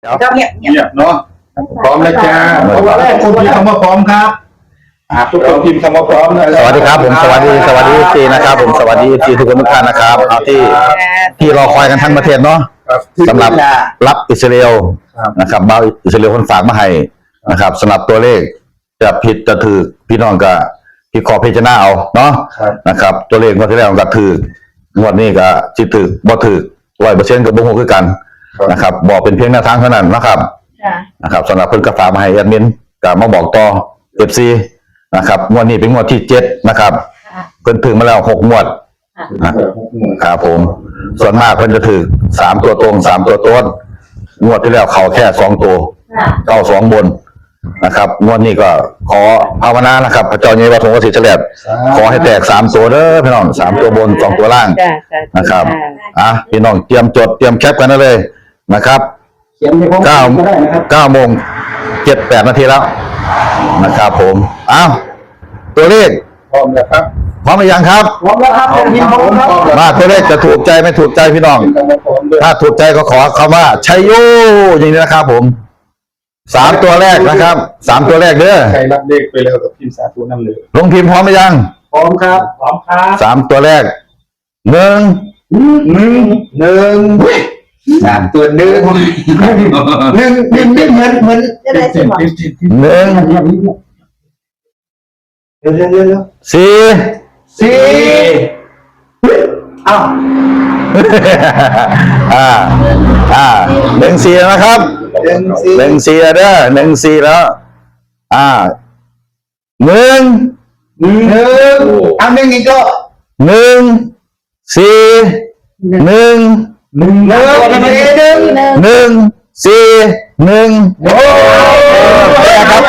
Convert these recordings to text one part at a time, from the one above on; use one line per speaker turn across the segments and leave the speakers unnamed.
ครับเงียบเนาะพร้อมแล้วจ้าตัวแรกคุณพิมพ์คำว่าพร้อมครับทุกคนพิมพ์คำว่าพร้อมนะ
สวัสดีครับผมสวัสดีจีนะครับผมสวัสดีจีทุกคนทุกท่านนะครับเอาที่รอคอยกันทั้งประเทศเนาะสำหรับรับอิสราเอลนะครับบ่าวอิสราเอลคนฝากมาให้นะครับสำหรับตัวเลขจะผิดจะถือพี่น้องก็พี่ขอพิจารณาเอาเนาะนะครับตัวเลขงวดที่แล้วก็ถืองวดนี้ก็จิถือบ่ถือ100%กับบ่ฮู้คือกันนะครับบอกเป็นเพียงแนวทางเท่านั้นนะครับสำหรับเพิ่นก็ฝากมาให้แอดมินก็มาบอกต่อ FC นะครับงวดนี้เป็นงวดที่7นะครับเพิ่นถึงมาแล้ว6งวดนะครับผมส่วนมากเพิ่นจะถือ3ตัวตรง3ตัวต้นงวดที่แล้วเข้าแค่2ตัวเข้า2บนนะครับงวดนี้ก็ขอภาวนานะครับพระเจ้าใหญ่วัดหงส์ศรีเฉลียดขอให้แตก3ตัวเด้อพี่น้อง3ตัวบน2ตัวล่างนะครับพี่น้องเตรียมจดเตรียมแคปกันได้เลยนะครับ9 โมง 7-8 นาทีแล้วนะครับผมตัวเลข
พร้อมแล้วครับ
พร้อมหรือยังครับ
พร้อมแล้วครับ
มาตัวเลขจะถูกใจไม่ถูกใจพี่น้องถ้าถูกใจก็ขอคำว่าชัยโยอย่างนี้นะครับผม3ตัวแรกนะครับ3ตัวแรกเด้อ
ใครรับเลขไปแล้วกับพิมพ์สาธุน้ำเหลือง
ลงพิมพ์พร้อมหรือยัง
พร้อมครับ
3ตัวแรก1
3ตัว1เหมือนจะได้สิ
1 4 1-4นะครับ1-4เด้อ1-4แล้ว
1อีกก็
ครับ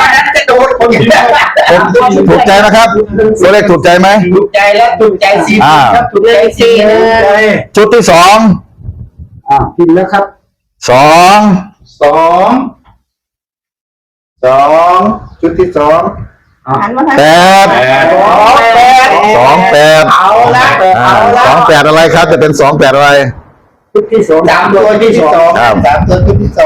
ถูกใจนะครับตัวเลขถูกใจไหม
ถูกใจแล้วถูกใจ4ครับถูกใจ4
ชุดที่2
พิมพ์แล้วครับ2ชุดที่2
8เอาละ28อะไรครับจะเป็น28อะไร
ชุดที่2 3ตัวที่2ครับ3ตัวชุดที่2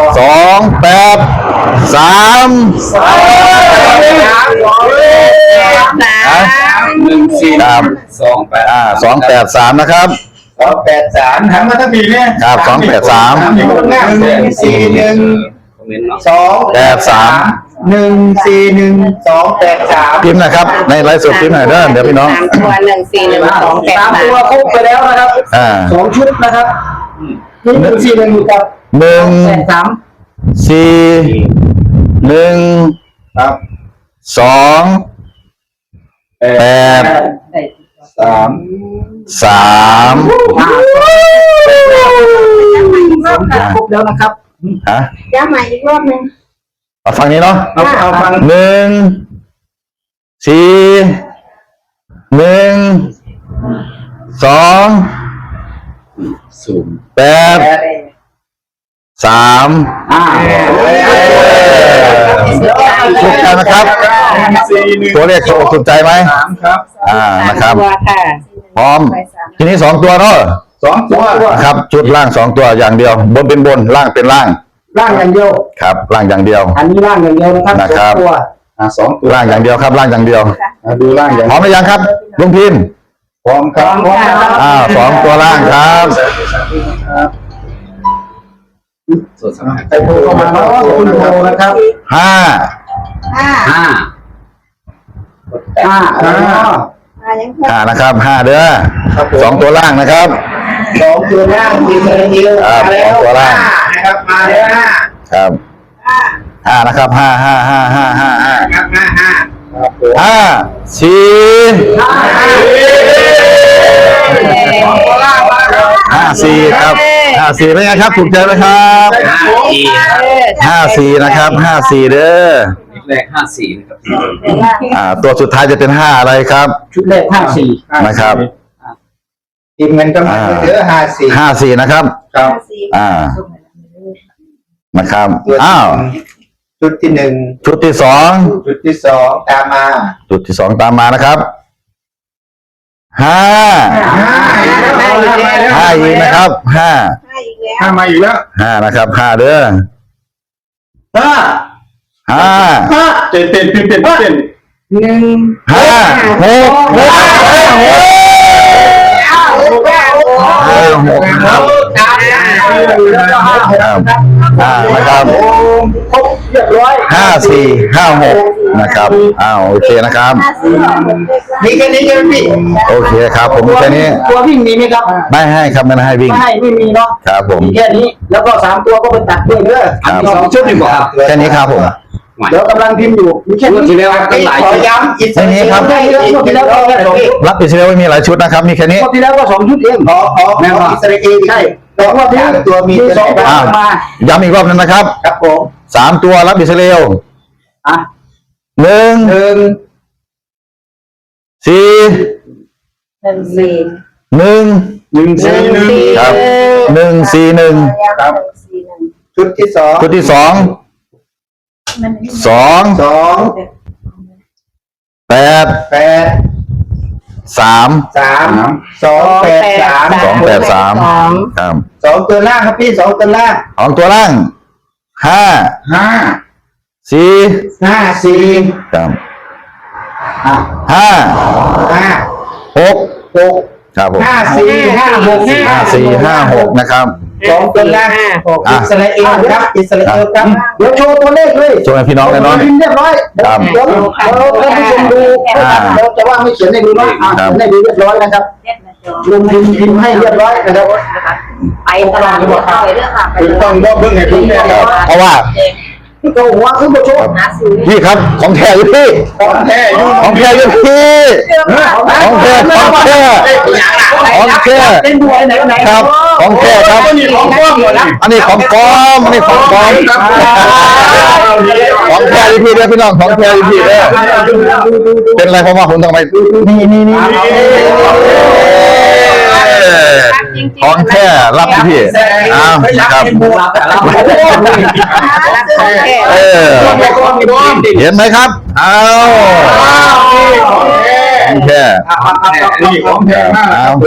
283นะครับ
283หันมาทั้งปีเนี่ย
ครับ283 พิมพ์นะครับในไลฟ์สดพิมพ์หน่อยเด้อเดี๋ยวพี่น้อง
ตัวตัวครบไปแล้วนะครับ2ชุดนะครับ141อยู่กับ
ครับ
ครบแล้วนะครับ
ย้ำใหม่อีกรอบนึง
เอาฟังนี้เนาะ
เอาฟัง
1 4 1 2 8 3ถูกใจนะครับตัวเลขถูกใจไหม
ครับ
นะครับพร้อมทีนี้2ตัวเนาะ
2ตัว
ครับชุดล่าง2ตัวอย่างเดียวบนเป็นบนล่างเป็นล่าง
อย่างเดียว
ครับล่างอย่างเดียว
อันนี้ล่างอย่างเดียวนะครับ2ตัว2ตัว
ล่างอย่างเดียวครับล่างอย่างเดียว
ดูล่างอย่าง
พร้อมหรือยังครับลุงพิมพ์
พร้อมครับ
2ตัวล่างครับ
ใส่โทรเข้ามาเนาะคุณโทรนะครับ
5นะครับ5เด้อ2ตัวล่างนะครับ
2ตัวล่างมีเงินเยอะ
2ตัวล่าง
นะครับมาแล้ว
ครับ5นะครับ54ครับ54เป็นไงครับถูกใจไหมครับ54นะครับ54เด้อ
แรก54นะครับ
ตัวสุดท้ายจะเป็น5อะไรครับ
ชุดแรก54
นะครับ
ทีมเงินก็มาเยอะ
54นะครับนะครับ
ชุดที่1
ชุดที่2
ตามมา
ชุดที่2ตามมานะครับ5อีกนะครับ5
มาอีกแล้ว
5นะครับ5เด้อ
ห้า
5
เต้น1
5 6 ครับนะครับ
ครบเรียบร้อย
5 4 5 6นะครับโอเคนะครับ
มีแค่นี้ใช่ไหมพี่
โอเคครับผมมีแค่นี้
ตัววิ่งมีไหมครับ
ไม่ให้ครับไม่ให้วิ่ง
ไม่มีเนาะ
ครับผม
มีแค่นี้แล้วก็3ตัวก็ไปตัดด้วยเด้อ
ครับ
มี2ชุดอยู่บ่ครับ
แค่นี้ครับผม
เดี๋ยวกำลังพิมพ์อยู่มีแค่นี้
ที่แล้วตั้งหลาย
ขอ
ชุด
ย้ำอีก
ไม่มีครับ
ได้เยอะที่แล้วก็แค่2ชุด
รับอิสราเอลไม่มีหลายชุดนะครับ มีแค่นี้
ที่แล้วก็2ชุดเองแม่ว่าอิสราเอลใช่แต่ว่าที่ตัวมี2ตัว
อ้าว
มา
ย้ำอีกรอบนึงนะครับ
ครับผม
3 ตัวรับอิสราเอล
อ่ะ
1 4 1 ครับ1 4 1
ชุดที่2
ชุดที่ 2 2 8 3 2 8 3ครับ
2ตัวล่างครับพี่2ตัวล่าง
ของตัวล่าง 5
5
4
4
ครับ
5
6 ครับผม
5 4 5 6
5 4 5 6นะครับ
2ตัวล่างอิสราเอลครับอิสราเอลครับเดี๋ยวโชว์ตัวเลขเลย
โชว์ให้พี่น้องเลยเนาะ
พิมพ์เรียบร้อย
ครับ
เดี๋ยวท่านผู้ชมดูเราจะว่าไม่เขียนให้ดูเนาะเขียนให้ดูเรียบร้อยนะครับลงพิมพ์ให้เรียบร้อยนะครับ
ไปตลาดหมดเลยเรื่องค่ะไป
ต้องบอกเบิ่งให้คุณแม่ครับ
เพราะว่า
ก็หัวขึ้นมาโชว์
หาซื้อ
พี่ครับของแท้อยู่พี่
ของแท้อยู่
ของแท้อยู่พี่ของแท้ของแท้ของแท้
เป็นบัวไหน
ครับของแท้ครับ
นี่ของก้อนหมดนะ
อันนี้ของปลอมอันนี้ของปลอมของแท้อยู่พี่เด้อพี่น้องของแท้อยู่พี่เด้อเป็นไรเพราะว่าผมต้องไปนี่ของแท้รับพี่ครับเห็นไหมครับของแท้
นี่ของแท้มากข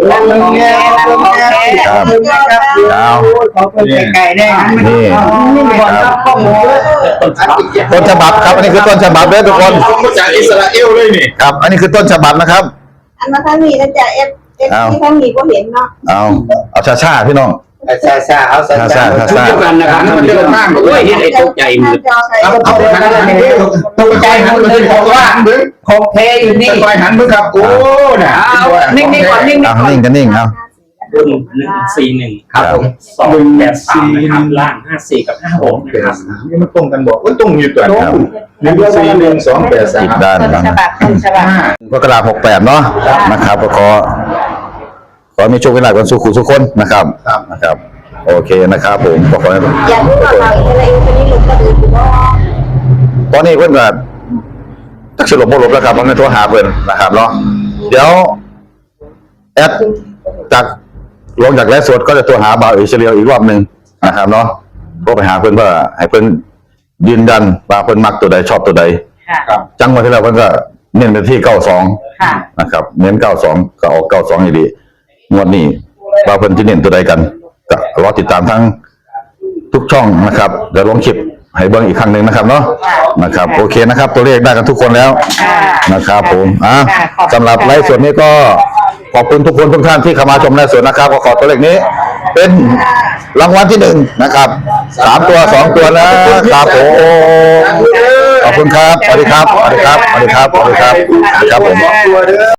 อบคุณไก่แน่นี่ข้อมูล
ต้นฉบับครับอันนี้คือต้นฉบับเด้อทุกคน
มาจากอิสราเอลเลยนี่
ครับ อันนี้คือต้นฉบับนะครับ
อันนั้นท่านมีนะจ๊ะเอฟที่ท่านมีก็เห็นเนาะ
เอาช้าๆพี่น้อง
ซาเอาซา
ชุดเดียวกันนะครับมันเยอะมากเลยเห็นไอ้ตกใจหมด
เอาตกใจหันเลยบอกว่าของแท้อยู่นี่คอยหันมือครับโอ้น่ะนิ่งๆก่อนนิ่ง
นิ่งกันนิ่งเอา
รุ่น141
ครับ
283นะครับล่าง54กับ56นะครับ
นี่มันตรงกันบอกว่าตรงอยู่ตัว141
อีกด้าน
283
นะกรกฎาคม68เนาะนะครับก็ขอมีโชคมีลาภกันสู่คู่ทุกคนนะครับโอเคนะครับผมก็ขอให้
อยากรู้ว่าเราอิสราเอลคนนี้หลุดก็ดูอยู่ว่า
ตอนนี้เพิ่นก็ตักสลบบ่ลบแล้วครับมันโทรหาเพิ่นนะครับเนาะเดี๋ยวแอดจากลงจากไลฟ์สดก็จะโทรหาบ่าวอิสราเอลอีกรอบนึงนะครับเนาะโทรไปหาเพิ่นเพื่อให้เพิ่นยืนยันว่าเพิ่นมักตัวใดชอบตัวใดจังหวะที่แล้วเพิ่นก็เน้นไปที่92นะครับเน้น92ก็ออก92อยู่ดีงวดนี้ว่าเพิ่นสิเน้นตัวใดกันก็รอติดตามทั้งทุกช่องนะครับเดี๋ยวลงคลิปให้เบิ่งอีกครั้งหนึ่งนะครับเนาะนะครับโอเคนะครับตัวเลขได้กันทุกคนแล้วนะครับผมสำหรับไลฟ์สดนี้ก็ขอบคุณทุกคนทุกท่านที่เข้ามาชมไลฟ์สดนะครับขอตัวเลขนี้เป็นรางวัลที่1นะครับ3ตัว2ตัวนะครับผมขอบคุณครับสวัสดีครับสวัสดีครับสวัสดีครับสวัสดีครับผม